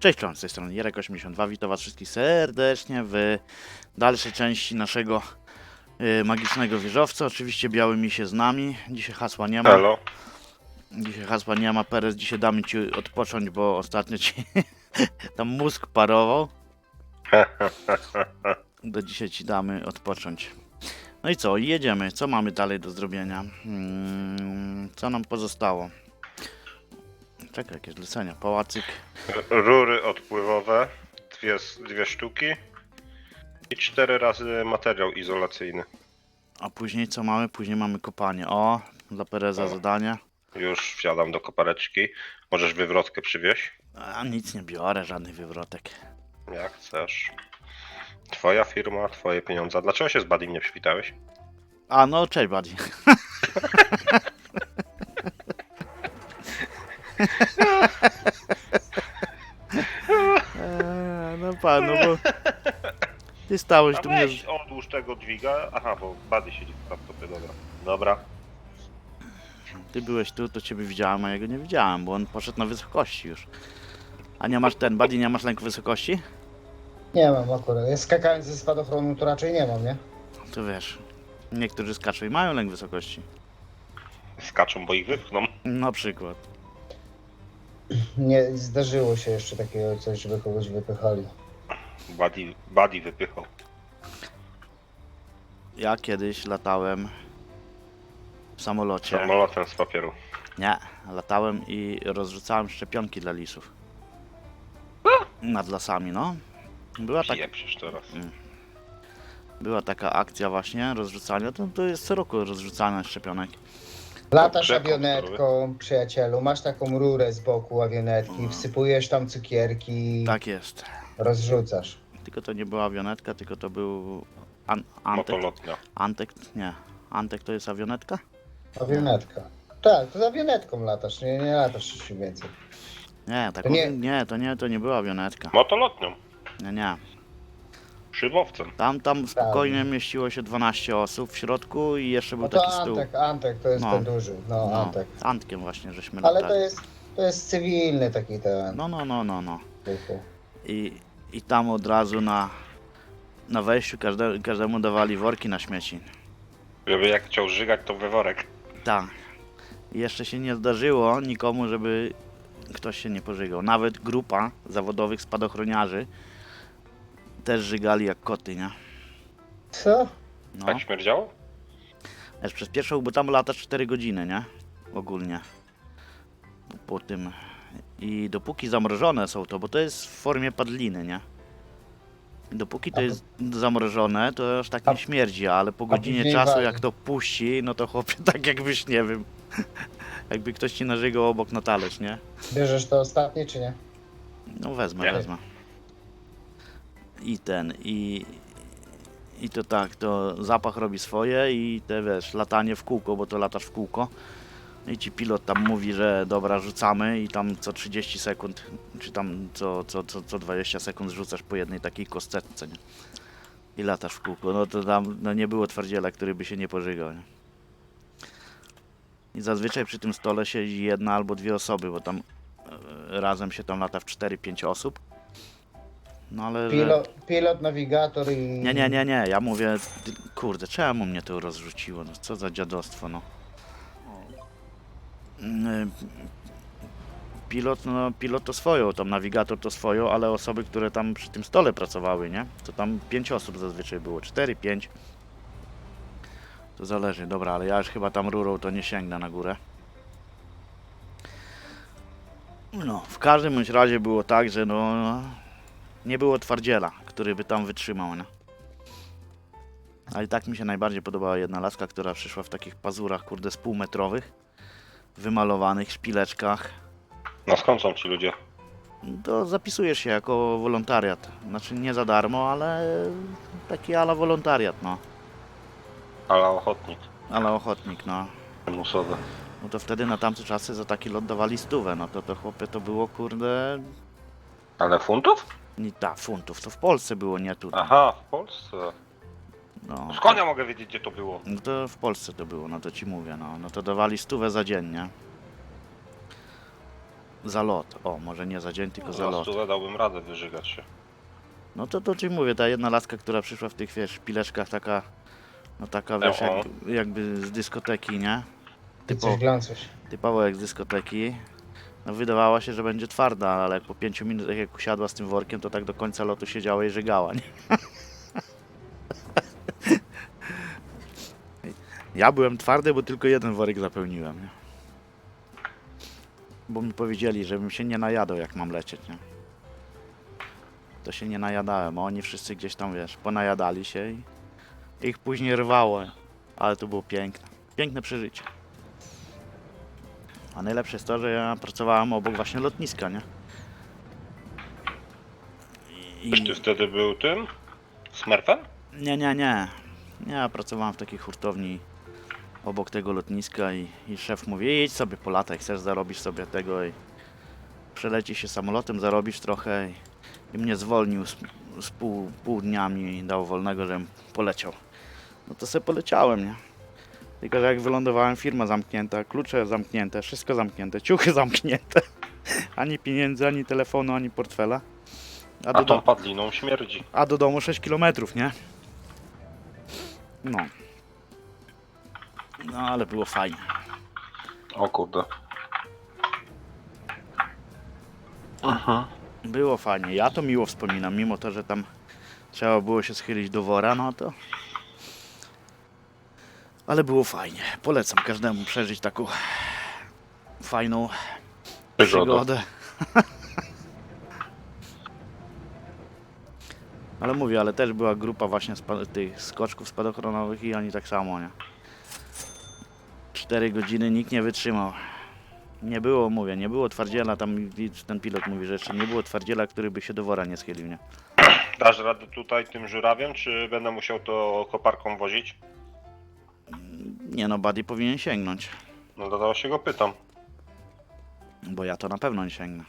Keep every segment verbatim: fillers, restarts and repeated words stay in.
Cześć, czołem, z tej strony Jerek osiemdziesiąt dwa, witam was wszystkich serdecznie w dalszej części naszego y, magicznego wieżowca. Oczywiście biały mi się z nami, dzisiaj hasła nie ma. Halo. Dzisiaj hasła nie ma, Perez, dzisiaj damy ci odpocząć, bo ostatnio ci tam mózg parował. Do dzisiaj ci damy odpocząć. No i co, jedziemy, co mamy dalej do zrobienia? Hmm, co nam pozostało? Czekaj, jakieś zlecenia, pałacyk. Rury odpływowe, dwie, dwie sztuki i cztery razy materiał izolacyjny. A później co mamy? Później mamy kopanie. O, dla Pereza O. zadanie. Już wsiadam do kopareczki. Możesz wywrotkę przywieźć? A nic nie biorę, żadnych wywrotek. Jak chcesz. Twoja firma, twoje pieniądze. Dlaczego się z Badim nie przywitałeś? A no, cześć Buddy. eee, no pan, no bo ty stałeś A tu mnie... weź odłóż tego dźwiga. Aha, bo Buddy siedzi w laptopie, dobra. Dobra. Ty byłeś tu, to ciebie widziałem, a ja go nie widziałem, bo on poszedł na wysokości już. A nie masz ten, Buddy, nie masz lęku wysokości? Nie mam akurat. Ja skakając ze spadochronu to raczej nie mam, nie? To wiesz, niektórzy skaczą i mają lęk wysokości. Skaczą, bo ich wypchną. Na przykład. Nie zdarzyło się jeszcze takiego coś, żeby kogoś wypychali. Buddy, Buddy wypychał. Ja kiedyś latałem w samolocie. Samolotem z papieru. Nie, latałem i rozrzucałem szczepionki dla lisów. Nad lasami, no. Była, tak, Pieprzysz teraz. była taka akcja właśnie rozrzucania, to, to jest co roku rozrzucania szczepionek. Latasz Rzeką awionetką, przyjacielu, masz taką rurę z boku awionetki, wsypujesz tam cukierki, Tak jest. rozrzucasz. Tylko to nie była awionetka, tylko to był an, Antek. Motolotnia. Antek, nie. Antek to jest awionetka? Awionetka. Tak, to z awionetką latasz, nie, nie latasz czymś więcej. Nie, tak To nie- nie. nie, to nie, to nie była awionetka. Motolotnią. Nie, nie. Szybowcem. Tam, tam spokojnie mieściło się dwanaście osób w środku i jeszcze był No to taki stół. Antek, Antek to jest No. ten duży, no, No, Antek. Antkiem właśnie, żeśmy Ale latali. to jest, to jest cywilny taki ten. No, no, no, no, no. typu. I, i tam od razu na, na wejściu każde, każdemu dawali worki na śmieci. Żeby jak chciał żygać, to we worek. Tak. I jeszcze się nie zdarzyło nikomu, żeby ktoś się nie pożygał. Nawet grupa zawodowych spadochroniarzy też żygali jak koty, nie? Co? No. Tak śmierdziało? Wiesz, przez pierwszą, bo tam lata cztery godziny, nie? Ogólnie. Po, po tym. I dopóki zamrożone są to, bo to jest w formie padliny, nie? Dopóki to A- jest zamrożone, to aż tak A- nie śmierdzi, ale po godzinie później czasu wali. jak to puści, no to chłopie tak jakbyś, nie wiem, jakby ktoś ci narzygał obok na talerz, nie? Bierzesz to ostatnie czy nie? No wezmę, Nie. wezmę. I ten, i... I to tak, to zapach robi swoje i te, wiesz, latanie w kółko, bo to latasz w kółko. I ci pilot tam mówi, że dobra, rzucamy i tam co trzydzieści sekund, czy tam co, co, co, co dwadzieścia sekund rzucasz po jednej takiej kosteczce, nie? I latasz w kółko. No to tam no nie było twardziela, który by się nie pożygał, nie? I zazwyczaj przy tym stole siedzi jedna albo dwie osoby, bo tam e, razem się tam lata w cztery pięć osób. No ale... że- Pilot, pilot nawigator i... Nie, nie, nie, nie, ja mówię, ty- kurde, czemu mnie to rozrzuciło, no co za dziadostwo, no. Mm, Pilot, no pilot to swoją, tam nawigator to swoją, ale osoby, które tam przy tym stole pracowały, nie? To tam pięć osób zazwyczaj było, cztery, pięć. To zależy, dobra, ale ja już chyba tam rurą to nie sięgnę na górę. No, w każdym bądź razie było tak, że no, nie było twardziela, który by tam wytrzymał, nie? Ale i tak mi się najbardziej podobała jedna laska, która przyszła w takich pazurach, kurde, z półmetrowych, wymalowanych szpileczkach. No skąd są ci ludzie? To zapisujesz się jako wolontariat. Znaczy nie za darmo, ale taki ala wolontariat, no. Ale ochotnik. Ale ochotnik, no. Musowy. No to wtedy na tamte czasy za taki lot dawali stówę, no to to chłopie to było, kurde, Ale funtów? nie ta, funtów. To w Polsce było, nie tutaj. Aha, w Polsce. No. Skąd ja mogę wiedzieć, gdzie to było? No to w Polsce to było, no to ci mówię, no. No to dawali stówę za dzień, nie? za lot. O, może nie za dzień, tylko za Za lot. stówę dałbym radę wyżygać się. No to to ci mówię, ta jedna laska, która przyszła w tych, wiesz, pileczkach, taka, no taka, wiesz, O, o. jakby, jakby z dyskoteki, nie? I Typo, coś glącuś. typowo jak z dyskoteki. No wydawała się, że będzie twarda, ale jak po pięciu minutach jak usiadła z tym workiem, to tak do końca lotu siedziała i żygała, nie? Ja byłem twardy, bo tylko jeden worek zapełniłem, nie? Bo mi powiedzieli, żebym się nie najadał, jak mam lecieć, nie? To się nie najadałem, a oni wszyscy gdzieś tam, wiesz, ponajadali się i ich później rwało, ale to było piękne. Piękne przeżycie. A najlepsze jest to, że ja pracowałem obok właśnie lotniska, nie? I... Czyż ty wtedy był tym? Smurfem? Nie, nie, nie. Ja pracowałem w takiej hurtowni obok tego lotniska i, i szef mówi, idź sobie po latach, chcesz zarobisz sobie tego i przeleci się samolotem, zarobisz trochę i, i mnie zwolnił z, z pół, pół dnia mi dał wolnego, żebym poleciał. No to sobie poleciałem, nie? Tylko, że jak wylądowałem, firma zamknięta, klucze zamknięte, wszystko zamknięte, ciuchy zamknięte. Ani pieniędzy, ani telefonu, ani portfela. A A do, tą do, padliną śmierdzi. a do domu sześć kilometrów, nie? No. No ale było fajnie. O kurde. Aha. Było fajnie. Ja to miło wspominam, mimo to, że tam trzeba było się schylić do wora, no to... Ale było fajnie. Polecam każdemu przeżyć taką fajną Przygoda. przygodę. Ale mówię, ale też była grupa właśnie spa- tych skoczków spadochronowych i oni tak samo, nie? Cztery godziny nikt nie wytrzymał. Nie było, mówię, nie było twardziela, tam ten pilot mówi, że jeszcze nie było twardziela, który by się do wora nie schylił, nie? Dasz radę tutaj tym żurawiem, czy będę musiał to koparką wozić? Nie no, Buddy powinien sięgnąć, No dlatego się go pytam. bo ja to na pewno nie sięgnę.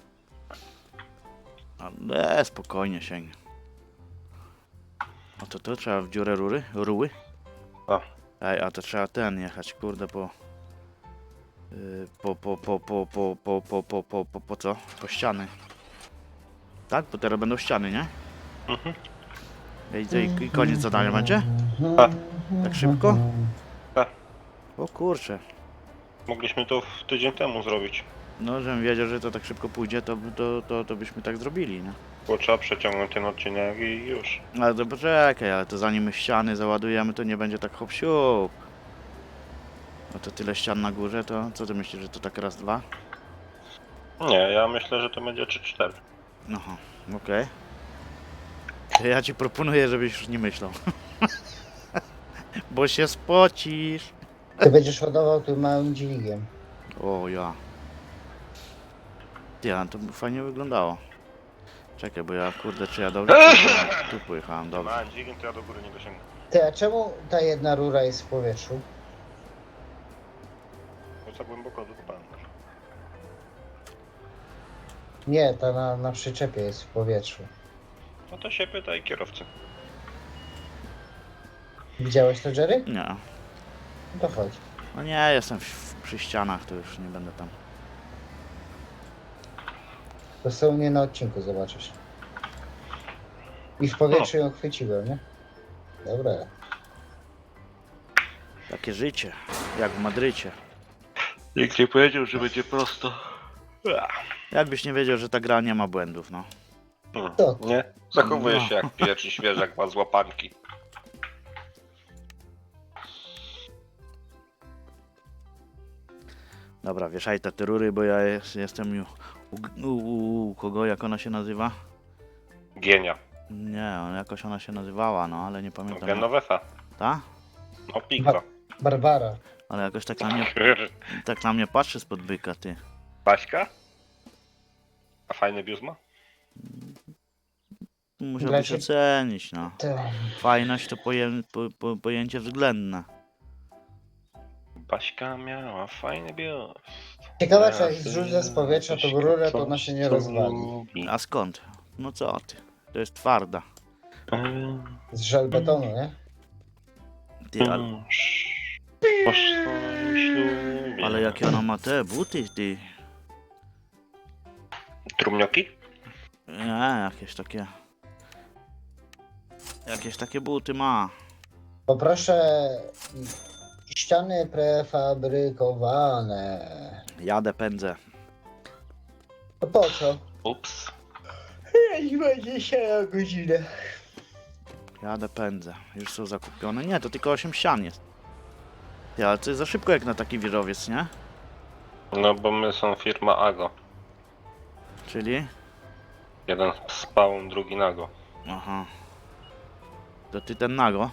Ale spokojnie sięgnę. A to to trzeba w dziurę rury? Ruły? A. Ej, a to trzeba ten jechać, kurde, po... yy, Po, po, po, po, po, po, po, po, po, po, po co? Po ściany. Tak? Bo teraz będą ściany, nie? Mhm. Ej, to i, i koniec zadania będzie? A. Tak szybko? Tak. O kurczę. Mogliśmy to w tydzień temu zrobić. No, żebym wiedział, że to tak szybko pójdzie, to, to, to, to byśmy tak zrobili, nie? Bo trzeba przeciągnąć ten odcinek i już. Ale to poczekaj, ale to zanim my ściany załadujemy, to nie będzie tak hop siup. No to tyle ścian na górze, to co ty myślisz, że to tak raz, dwa? Nie, ja myślę, że to będzie trzy cztery. Aha, okej. To ja ci proponuję, żebyś już nie myślał. Bo się spocisz. Ty będziesz ładował tym małym dźwigiem. O ja. Ty, ale to by fajnie wyglądało. Czekaj, bo ja kurde, czy ja dobrze pojechałem? Tu pojechałem, dobrze. Małem dźwigiem, to ja do góry nie dosięgnę. Ty, a czemu ta jedna rura jest w powietrzu? Bo za głęboko dokopałem. Nie, ta na, na przyczepie jest w powietrzu. No to się pytaj kierowcy. Widziałeś to, Jerry? Nie. No to chodź. No nie, jestem w, przy ścianach, to już nie będę tam. To są mnie na odcinku, zobaczysz. I w powietrzu ją chwyciłem, nie? Dobra. Takie życie, jak w Madrycie. Nikt nie powiedział, że będzie prosto. Jakbyś nie wiedział, że ta gra nie ma błędów, no. Hmm, To. nie? Zachowuje No. się jak pierwszy świeżak ma z łapanki. Dobra, wieszaj te te rury, bo ja jest, jestem ju- u, u, u kogo, jak ona się nazywa? Gienia. Nie, jakoś ona się nazywała, no, ale nie No, pamiętam. Genovefa. Ta? No pika. Barbara. Ale jakoś tak na mnie, tak na mnie patrzy spod byka, ty. Baśka? A fajny biust ma? Musiałbyś Gracie- ocenić, no. To... Fajność to poję, po, po, pojęcie względne. Baśka miała fajny biust. Ciekawe, czy jak zrzucę z powietrza tą rurę, to ona się nie rozwali. A skąd? No co ty? To jest twarda. Z żelbetonu, nie? Ty, Mm. ale, ale... ale jakie ona ma te buty, ty. Trumnioki? Nie, jakieś takie... Jakieś takie buty ma. Poproszę ściany prefabrykowane. Jadę, pędzę. To po co? Ups. Jeźdź będzie się na godzinę. Jadę, pędzę. Już są zakupione. Nie, to tylko osiem ścian jest. Ja, ale to jest za szybko jak na taki wieżowiec, nie? No bo my są firma Ago. Czyli? Jeden spawn, drugi nago. Aha. To ty ten nago?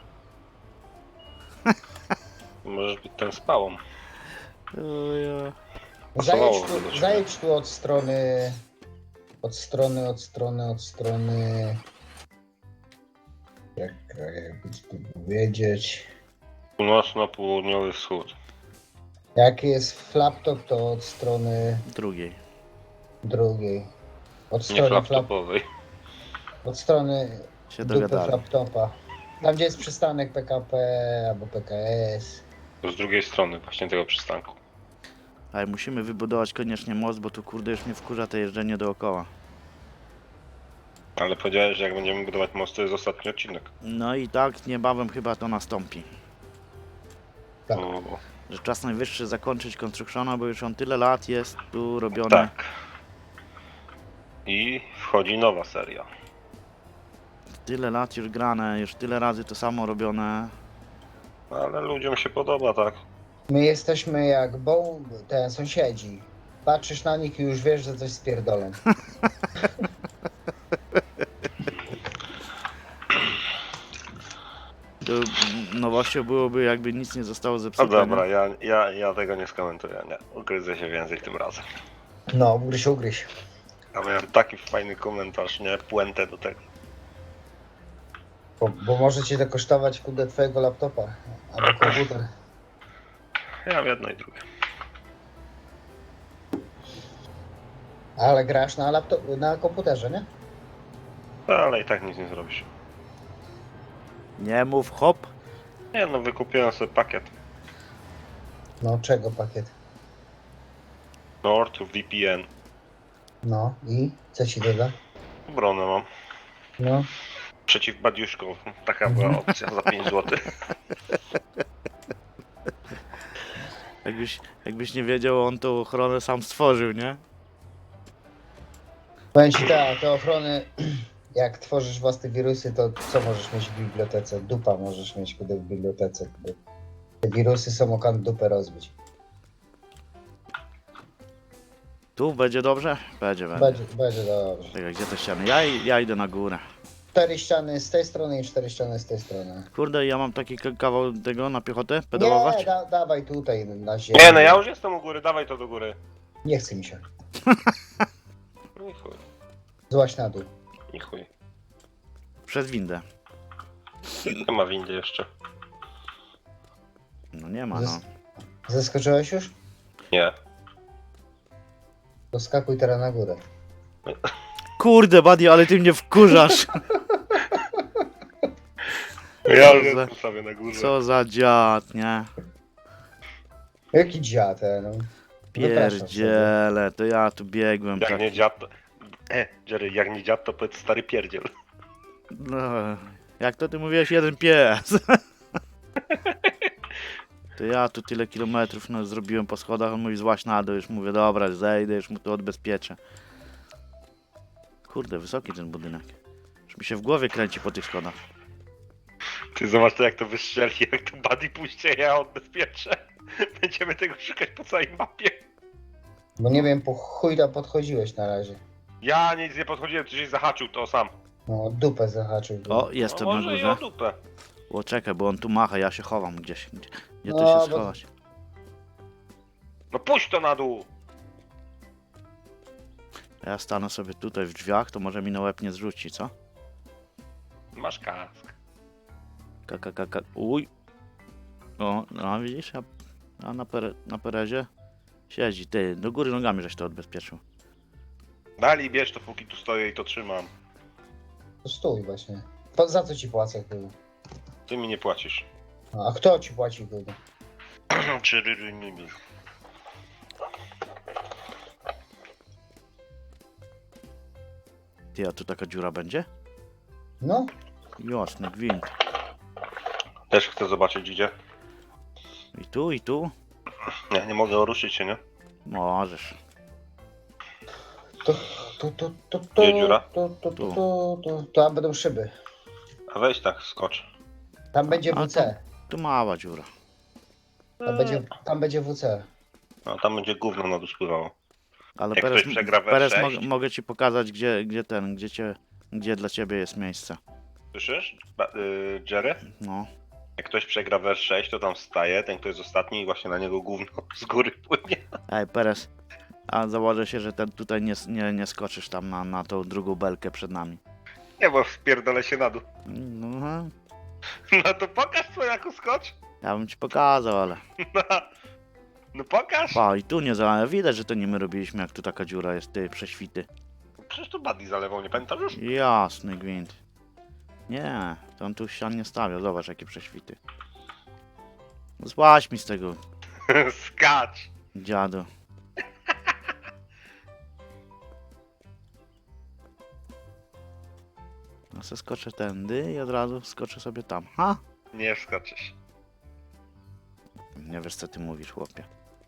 Możesz być ten spałą. O ja. Zajedź Pasowało do tu, siebie. zajedź tu od strony... Od strony, od strony, od strony... Jak jakby tu powiedzieć... Północno-południowy wschód. Jak jest flaptop, to od strony Drugiej. drugiej. Od Nie strony flap, flaptopowej. od strony Się dupy dogadali. laptopa. Tam gdzie jest przystanek P K P albo P K S. Z drugiej strony właśnie tego przystanku. Ale musimy wybudować koniecznie most, bo tu kurde już mnie wkurza to jeżdżenie dookoła. Ale powiedziałeś, że jak będziemy budować most, to jest ostatni odcinek. No i tak niebawem chyba to nastąpi. Tak. O, Że czas najwyższy zakończyć Constructiona, bo już on tyle lat jest tu robiony. tak. I wchodzi nowa seria. Tyle lat już grane, już tyle razy to samo robione. Ale ludziom się podoba, tak? My jesteśmy jak bo ten sąsiedzi. Patrzysz na nich i już wiesz, że coś spierdolą. To nowością byłoby jakby nic nie zostało No zepsute. dobra, nie? ja, ja, ja tego nie skomentuję, nie. Ugryzę się więcej tym razem. No, ugryź, ugryź. A miałem taki fajny komentarz, nie? Puentę do tego. Bo, bo może cię to kosztować kudę twojego laptopa albo komputer. Ja w jedno i drugie. Ale grasz na laptop, na komputerze, nie? No, ale i tak nic nie zrobisz. Nie mów hop. Nie no, wykupiłem sobie pakiet. No, czego pakiet? Nord V P N. No i co ci doda? Obronę mam. No, Przeciw badiuszkom. Taka była opcja za pięć złotych. Jakbyś, jakbyś nie wiedział, on tą ochronę sam stworzył, nie? powiem ci tak, te ochrony, jak tworzysz własne wirusy, to co możesz mieć w bibliotece? Dupa możesz mieć kudę w bibliotece. Kudę. Te wirusy są okan dupę rozbić. Tu będzie dobrze? Będzie, będzie. Będzie, będzie dobrze. Czekaj, gdzie te ściany? Ja, i- ja idę na górę. Cztery ściany z tej strony i cztery ściany z tej strony. Kurde, ja mam taki k- kawał tego na piechotę pedałować? Nie, da, dawaj tutaj na ziemię. Nie no, ja już jestem u góry, dawaj to do góry. Nie chce mi się. Nie chuj, Złaś na dół. nie chuj. Przez windę. Nie ma windy jeszcze. No nie ma, no. Zes- Zeskoczyłeś już? Nie. To skakuj teraz na górę. Kurde, Buddy, ale ty mnie wkurzasz. Ja już Co za- jestem sobie na górze. Co za dziad, nie? Jaki dziad, e, no. Wypraszam sobie. Pierdziele, to ja tu biegłem Jak tak. nie dziad to... E, Jerry, jak nie dziad to powiedz stary pierdziel. No, jak to ty mówiłeś, jeden pies. To ja tu tyle kilometrów no, zrobiłem po schodach, on mówi złaś na dół, już mówię, dobra, zejdę, już mu to odbezpieczę. Kurde, wysoki ten budynek. Już mi się w głowie kręci po tych schodach. Ty zobacz to jak to wystrzeli, jak to buddy puści, ja odbezpieczę. Będziemy tego szukać po całej mapie. Bo nie wiem, po chuj tam podchodziłeś na razie. Ja nic nie podchodziłem, coś zahaczył to sam. No, dupę zahaczył. O, jestem No na może i o górze. dupę. O, czekaj, bo on tu macha, ja się chowam gdzieś. Gdzie, gdzie No, tu się bo- schować? No puść to na dół. Ja stanę sobie tutaj w drzwiach, to może mi na łeb nie zrzuci, co? Masz kask. Kaka, kaka, uj. O, no widzisz, a, a na, pere, na Perezie siedzi. Ty, do góry nogami żeś to odbezpieczył. Dali bierz to póki tu stoję i to trzymam. To stój właśnie. Po, za co ci płacę, kurde? Ty mi nie płacisz. A kto ci płaci, kurde? Czy ry, ry, nie, nie. Ty, a tu taka dziura będzie? No, Jasny gwint. Też chcę zobaczyć gdzie. I tu, i tu? Nie, nie mogę ruszyć się, nie? Możesz. to, to, to, to, to, Gdzie dziura? to, to, to, to, to, tam będą szyby. A weź tak, skocz. Tam będzie A, W C. Tu mała dziura. Tam będzie, tam będzie W C. No tam będzie gówno na dół spływało. Ale Jak Perez, ktoś przegra we Perez sześć? mo mogę ci pokazać, gdzie, gdzie ten, gdzie cię, gdzie dla ciebie jest miejsce. Słyszysz? Ba y Jerry? No. Jak ktoś przegra wers sześć, to tam wstaje, ten kto jest ostatni i właśnie na niego gówno z góry płynie. Ej, Perez, a założę się, że ten tutaj nie, nie, nie skoczysz tam na, na tą drugą belkę przed nami. Nie, bo wpierdolę się na dół. No, aha. No to pokaż swojaku skocz. Ja bym ci pokazał, ale... No, no pokaż. Pa, i tu nie zalałem. Widać, że to nie my robiliśmy, jak tu taka dziura jest, ty, prześwity. Przecież to Buddy zalewał, nie pamiętasz już? Jasny gwint. Nie, to on tu ścian nie stawiał. Zobacz, jakie prześwity. Złaź mi z tego, Skacz. dziadu. No se skoczę tędy i od razu skoczę sobie tam. Ha? Nie skoczysz. Nie wiesz, co ty mówisz, chłopie.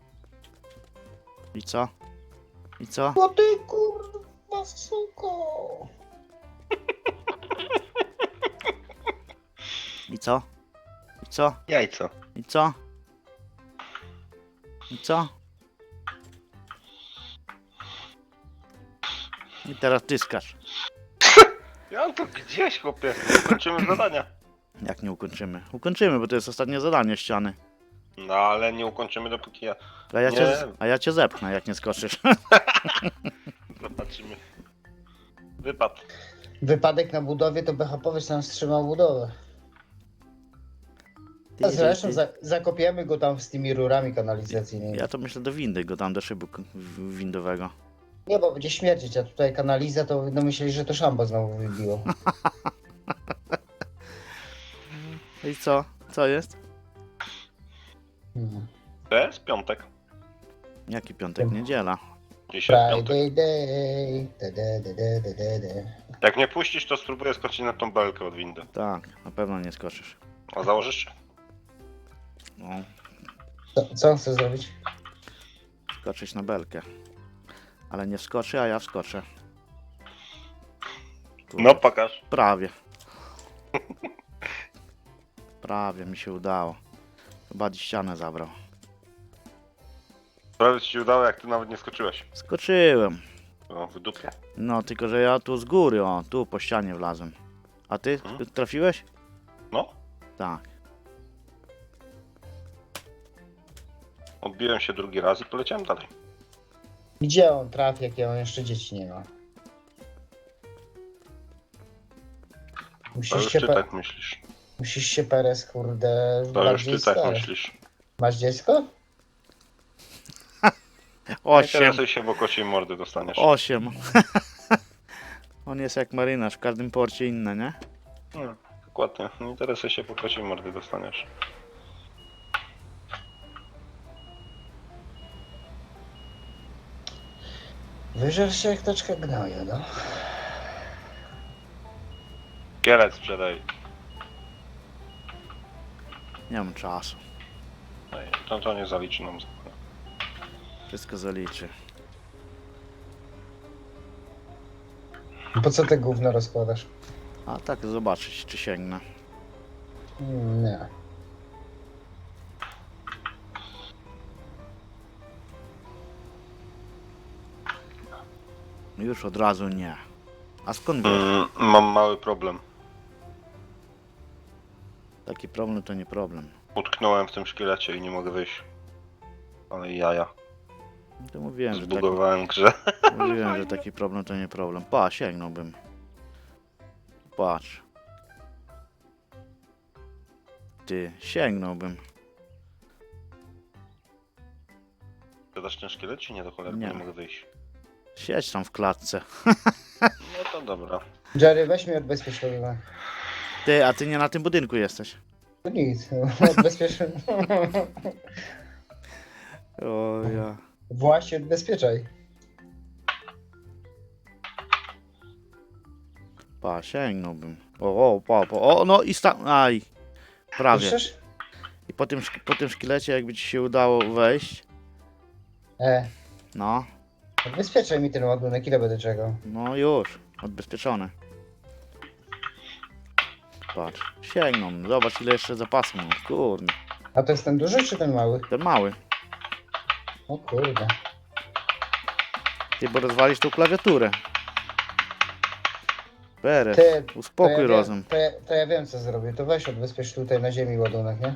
I co? I co? O ty kurwa suko. I co? I co? Jajco. I co? I co? I teraz ty skacz. Ja to gdzieś, chłopie. Kończymy zadania. Jak nie ukończymy? Ukończymy, bo to jest ostatnie zadanie ściany. No ale nie ukończymy dopóki ja... A ja, Nie. cię, a ja cię zepchnę, jak nie skoczysz. Zobaczymy. Wypad. Wypadek na budowie to B H P sam wstrzymał budowę. A zresztą za, zakopiemy go tam z tymi rurami kanalizacyjnymi. Ja to myślę do windy, go tam do szybu k- w- windowego. Nie, bo będzie śmierdzić, a tutaj kanaliza to no myśleli, że to szambo znowu wybiło. I co? Co jest? Mhm. To jest piątek. Jaki piątek? Niedziela. Dzisiaj piątek. Friday day, da, da, da, da, da, da, da. Jak nie puścisz, to spróbuję skoczyć na tą belkę od windy. Tak, na pewno nie skoczysz. A założysz się? No, Co, co on chce zrobić? skoczyć na belkę. Ale nie wskoczy, a ja wskoczę. Kurde, No pokaż. Prawie. Prawie mi się udało. Chyba dziś ścianę zabrał. Prawie ci się udało, jak ty nawet nie skoczyłeś. Skoczyłem. O, w dupie. No, tylko że ja tu z góry, o, tu po ścianie wlazłem. A ty Hmm? trafiłeś? No, Tak. odbiłem się drugi raz i poleciałem dalej. Gdzie on trafi, jak on jeszcze dzieci nie ma? To Musisz już się, ty pe- tak myślisz. musisz się Perez, kurde, To już bardziej ty tak starać. myślisz. Masz dziecko? Nie Osiem. interesuj się, bo kociej mordy dostaniesz. Osiem. On jest jak marynarz, w każdym porcie inny, nie? No, dokładnie. Nie interesuj się, bo kociej mordy dostaniesz. Wyżer się jak teczka gnoju, no. Kielec sprzedaj. Nie mam czasu. No i to, to nie zaliczy nam. Wszystko zaliczy. Po co te gówno rozkładasz? A tak zobaczyć, czy sięgnę. Mm, Nie. Już od razu nie. A skąd wiesz? Mm, mam mały problem. Taki problem to nie problem. Utknąłem w tym szkielecie i nie mogę wyjść. Ale jaja. No to mówiłem, że taki, Zbugowałem grze. mówiłem, że taki problem to nie problem. Pa, sięgnąłbym. Patrz. Ty, sięgnąłbym. Zadasz ten szkielet czy nie do cholery? Nie. Nie. nie mogę wyjść. Siedź tam w klatce. No to dobra. Jerry, weź mnie odbezpieczony. Ty, a ty nie na tym budynku jesteś. To nic, odbezpieczony. O ja. Właśnie odbezpieczaj. Pa, sięgnąłbym. O, o, pa, pa. O, no i sta... Aj. Prawie. Słyszysz? I po tym, szk- po tym szkielecie, jakby ci się udało wejść, E, no, odbezpieczaj mi ten ładunek, ile będę czekał. no już, odbezpieczone. Patrz, sięgną, zobacz ile jeszcze zapasu mam, kurde, A to jest ten duży czy ten mały? ten mały. O kurde. Ty, bo rozwalisz tą klawiaturę. Beres, Ty, uspokój to ja rozum. Wiem, to, ja, to ja wiem co zrobię. To weź odbezpiecz tutaj na ziemi ładunek, nie?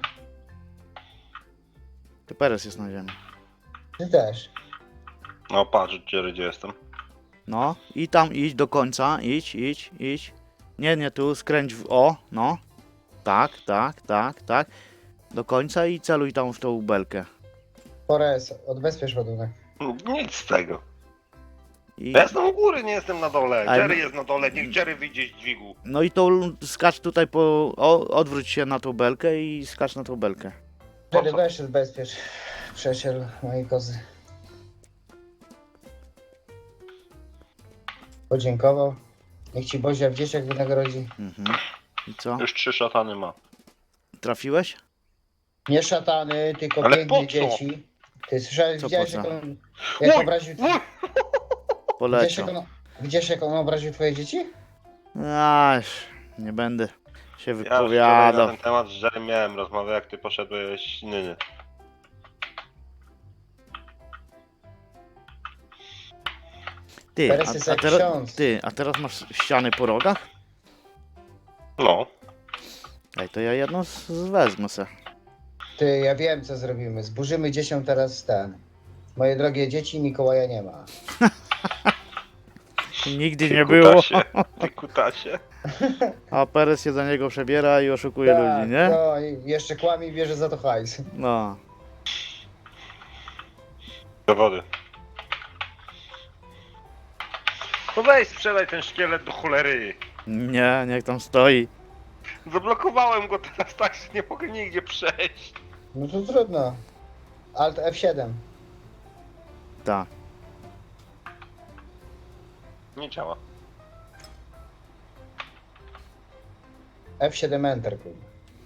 Ty, Peres jest na ziemi. Ty też. No patrz, Jerry, gdzie jestem. No, i tam idź do końca, idź, idź, idź. Nie, nie, tu skręć w o, no. Tak, tak, tak, tak. Do końca i celuj tam w tą belkę. Pores, odbezpiecz ładunek. Nic z tego. I, Ja jestem u góry, nie jestem na dole. Ale- Jerry jest na dole, niech Jerry wyjdzie z dźwigu. no i tą skacz tutaj po. O, odwróć się na tą belkę i skacz na tą belkę. Po Jerry, co? weź odbezpiecz. Przesiel mojej kozy. Podziękował. Niech ci Bozia w dzieciach wynagrodzi. Mhm. I co? Już trzy szatany ma. Trafiłeś? Nie szatany, tylko Ale piękne po co? dzieci. Ty słyszałeś, Co widziałeś po jak co? on, jak Uj, obraził... uj! Widziałeś jak, Poleciał. on, widziałeś jak on obraził twoje dzieci? Aż, nie będę się Ja już wczoraj na wypowiadał. ten temat z Jerry miałem rozmowę, jak ty poszedłeś nyny. Ty, Teraz jest a, a, jak teraz, ksiądz. ty, a teraz masz ściany po rogach? No. Ej, to ja jedną z, z wezmę se. Ty, ja wiem co zrobimy. Zburzymy dzieciom teraz ten. Moje drogie dzieci, Mikołaja nie ma. Nigdy Ty nie było. kutasie, Ty kutasie. A Perez się za niego przebiera i oszukuje ludzi, nie? No i jeszcze kłamie i bierze za to hajs. No. Do wody. No weź, sprzedaj ten szkielet do cholery. Nie, niech tam stoi. Zablokowałem go teraz tak, że nie mogę nigdzie przejść. No to trudno. Alt F siedem. Tak. Nie działa. F siedem Enter, kurwa.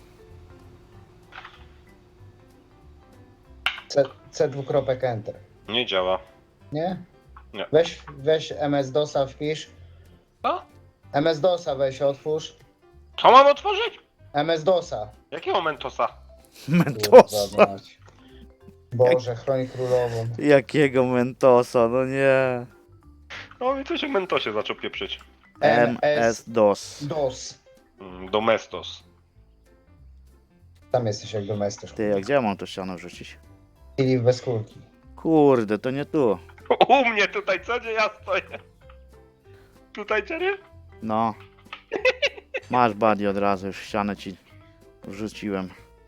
C, C dwukropek Enter. Nie działa. Nie? Nie. Weź, weź M S DOSa wpisz. Co? M S DOSa weź otwórz. Co mam otworzyć? M S DOSa. Jakiego Mentosa? Mentosa. Kurwa mać. Boże, chroń królową. Jakiego Mentosa, no nie. No mi coś o Mentosie zaczął pieprzyć. M S DOS. DOS. Mm, Domestos. Tam jesteś jak domestos. Ty, a gdzie ja mam to ścianę wrzucić? Czyli bez kulki. Kurde, to nie tu. U mnie tutaj, co gdzie ja stoję? Tutaj, Jerry? No. Masz buddy od razu, już ścianę ci wrzuciłem.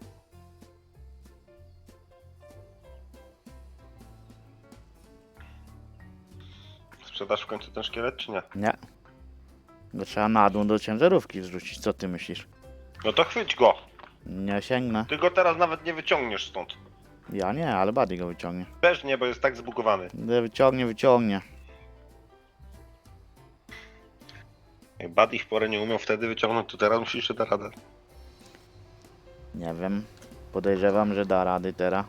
Sprzedasz w końcu ten szkielet, czy nie? Nie. Go trzeba na dół do ciężarówki wrzucić, co ty myślisz? No to chwyć go. Nie sięgnę. Ty go teraz nawet nie wyciągniesz stąd. Ja nie, ale buddy go wyciągnie. Też nie, bo jest tak zbugowany. Wyciągnie, wyciągnie. Jak Buddy w porę nie umiał wtedy wyciągnąć, to teraz musisz jeszcze dać radę. Nie wiem. Podejrzewam, że da rady teraz.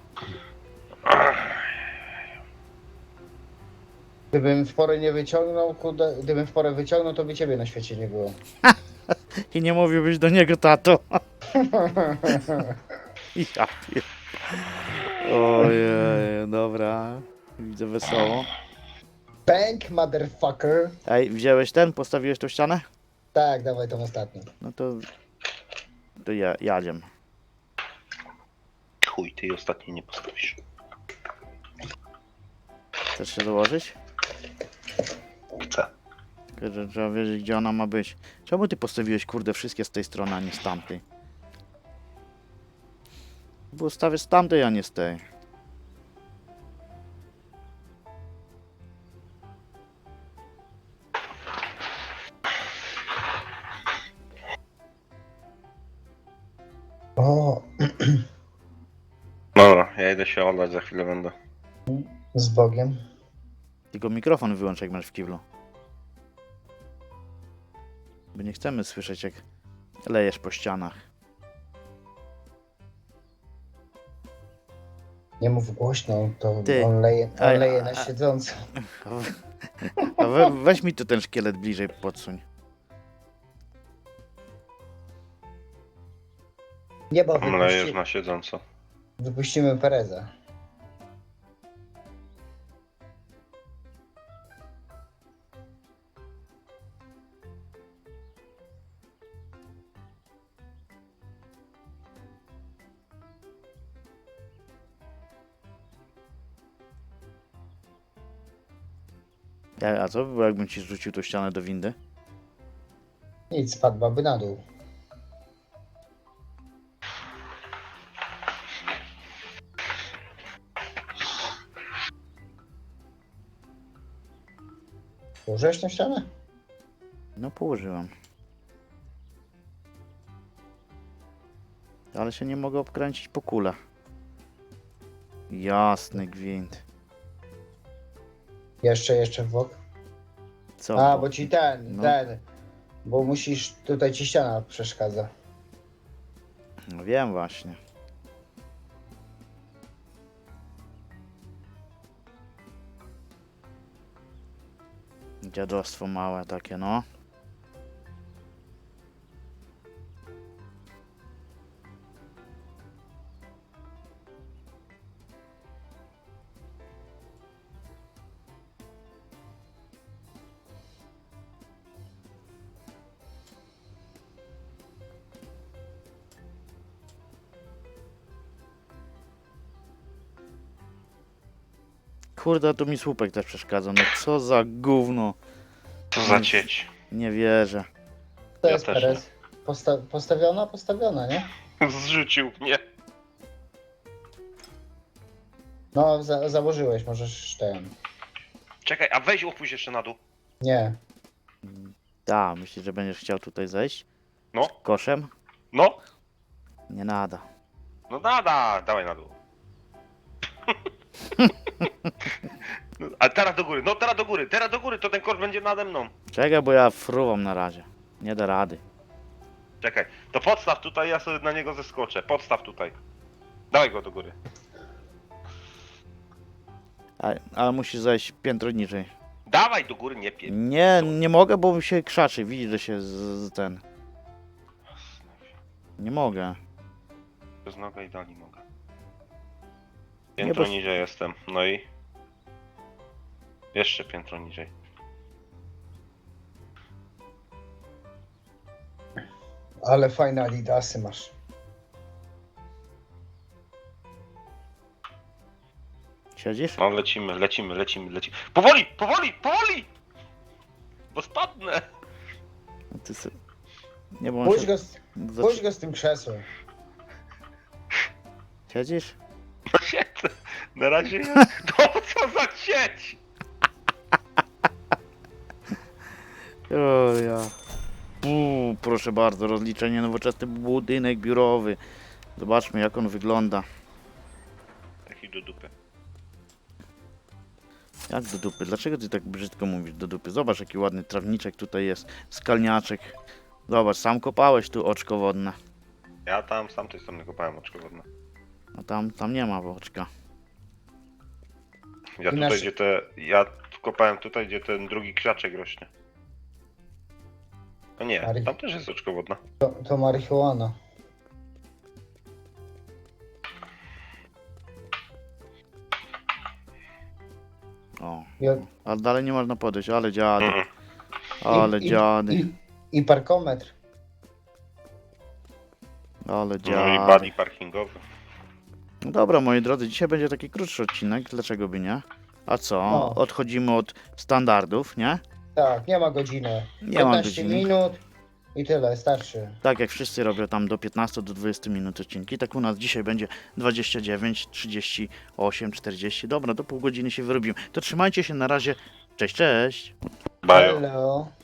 Gdybym w porę nie wyciągnął, kudę, gdybym w porę wyciągnął, to by ciebie na świecie nie było. I nie mówiłbyś do niego, tato. Ja pier... Ojej, dobra. Widzę wesoło. Bank, motherfucker. Ej, wziąłeś ten? Postawiłeś tą ścianę? Tak, dawaj tą ostatnią. No to... To ja, jadziem. Chuj, ty jej ostatniej nie postawisz. Chcesz się dołożyć? Chcę. Tylko, że trzeba wiedzieć, gdzie ona ma być. Czemu ty postawiłeś, kurde, wszystkie z tej strony, a nie z tamtej? Bo stawię z tamtej, a nie z tej. O, Dobra, ja idę się oddać, za chwilę będę. z Bogiem. Tylko mikrofon wyłącz, jak masz w kiblu. Bo nie chcemy słyszeć, jak lejesz po ścianach. Nie mów głośno, to Ty. on leje, on Ej, leje a- na a- siedząco. A we, weź mi tu ten szkielet bliżej podsuń. Nie, bo Mlejesz wypuści, na siedząco. wypuścimy Pereza. Ja, a co by było, jakbym ci rzucił tą ścianę do windy? Nic, spadłaby na dół. Położyłeś tą ścianę? No położyłem. Ale się nie mogę obkręcić po kule. Jasny gwint. Jeszcze, jeszcze w bok. Co? A, bo- bo ci ten, No. ten. Bo musisz, tutaj ci ściana przeszkadza. No wiem właśnie. Dziadostwo małe takie, no. Kurde, tu mi słupek też przeszkadza. No co za gówno. Co za cieć. Nie wierzę. To Ja jest też Perez. Posta postawiona? Postawiona, nie? Zrzucił mnie. No, za założyłeś, możesz ten. Czekaj, a weź opuść jeszcze na dół. Nie. Da, myślisz, że będziesz chciał tutaj zejść? No, Koszem? no, Nie nada. no nada, dawaj na dół. No, ale teraz do góry, no teraz do góry, teraz do góry, to ten kosz będzie nade mną. Czekaj, bo ja fruwam na razie. Nie da rady. Czekaj, to podstaw tutaj, ja sobie na niego zeskoczę. Podstaw tutaj. Dawaj go do góry. A, ale musisz zejść piętro niżej. Dawaj do góry, nie pie... Nie, nie mogę, bo mi się krzaczy. Widzisz, że się z, z ten... Nie mogę. Bez noga i dalej mogę. Nie, Piętro bo- niżej jestem, no i... Jeszcze piętro niżej. Ale fajne adidasy masz. Siedzisz? No lecimy, lecimy, lecimy, lecimy. Powoli, powoli, powoli! Bo spadnę. Ty sy... Nie, bo on Puść się... go, z, Zaczy- puść go z tym krzesłem. Siedzisz? No siedzę. Na razie ja... No co za sieć! O ja. Puu, proszę bardzo, rozliczenie nowoczesny budynek biurowy. Zobaczmy, jak on wygląda. Taki do dupy. Jak do dupy? Dlaczego ty tak brzydko mówisz do dupy? Zobacz, jaki ładny trawniczek tutaj jest. Skalniaczek. Zobacz, sam kopałeś tu oczko wodne. Ja tam z tamtej strony kopałem oczko wodne. A tam, tam nie ma oczka. Ja I tutaj, nasz- gdzie te... Ja kopałem tutaj, gdzie ten drugi krzaczek rośnie. A nie, Mari- tam też jest oczko wodne. To, to marihuana. O. I, Ale dalej nie można podejść, ale dziady. Mhm. Ale i, dziady. i, I parkometr. Ale No i dziady. buddy parkingowy. No dobra, moi drodzy, dzisiaj będzie taki krótszy odcinek, dlaczego by nie? A co? No. Odchodzimy od standardów, nie? Tak, nie ma godziny. Nie ma piętnaście godziny. minut i tyle, starczy. Tak jak wszyscy robią tam do piętnastu do dwudziestu minut odcinki, tak u nas dzisiaj będzie dwadzieścia dziewięć, trzydzieści osiem, czterdzieści. Dobra, do pół godziny się wyrobimy. To trzymajcie się na razie. Cześć, cześć! Bajo. Hello.